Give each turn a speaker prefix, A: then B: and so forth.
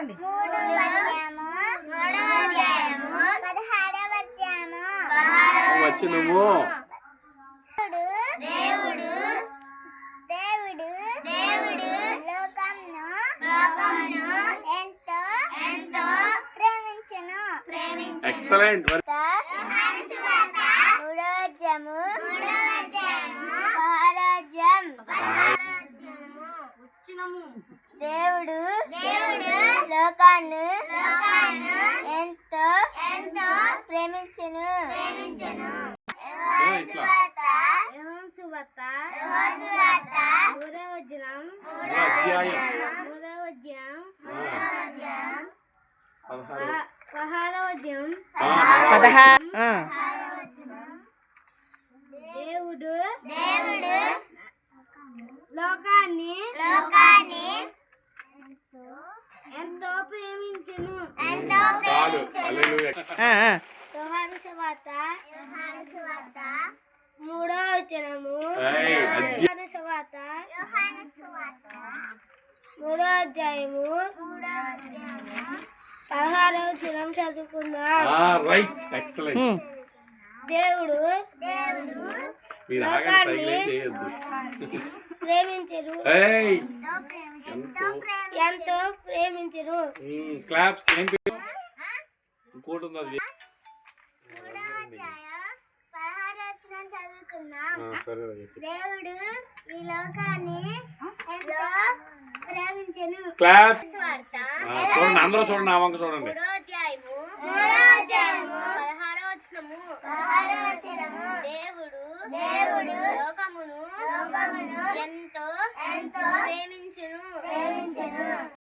A: చదవండి.
B: 16వ వచనము.
C: దేవుడు లోకమును ఎంతో ప్రేమించెను.
B: ఎక్సలెంట్.
C: 3వ అధ్యాయము 16వ దేవుడు లోకాన్ని ఎంతో ప్రేమించెను.
B: ఇట్లా
A: సువార్త 3వ అధ్యాయం 16వ అధ్యాయం
D: 16.
A: దేవుడు లోకాన్ని ఎంతో ప్రేమించెను.
B: చాలు. హల్లెలూయా.
A: యోహాను సువార్త 3వ వచనము.
B: ఏయ్,
A: యోహాను సువార్త 3వ అధ్యాయము 16వ వచనం చదువుకుందాం.
B: రైట్. ఎక్సలెంట్.
A: దేవుడు
B: మీరు ఆగండి, సైకిల్ ఏం చేయొద్దు.
A: ప్రేమించెను.
B: ఏయ్,
A: ఎంతో ప్రేమించెను.
B: క్లాప్స్. ఏం పేరు? ఇంకోటి ఉంది అది.
C: 3వ అధ్యాయం 16వ వచనం చదువుకుందాం.
B: సరే.
C: దేవుడు ఈ లోకాన్ని ఎంతో ప్రేమించెను.
B: క్లాప్.
C: సువార్త
B: చూడండి, అందరూ చూడండి, నా వంక చూడండి.
C: 3వ అధ్యాయము 16వ వచనము. దేవుడు లోకమును ఎంతో ప్రేమించెను.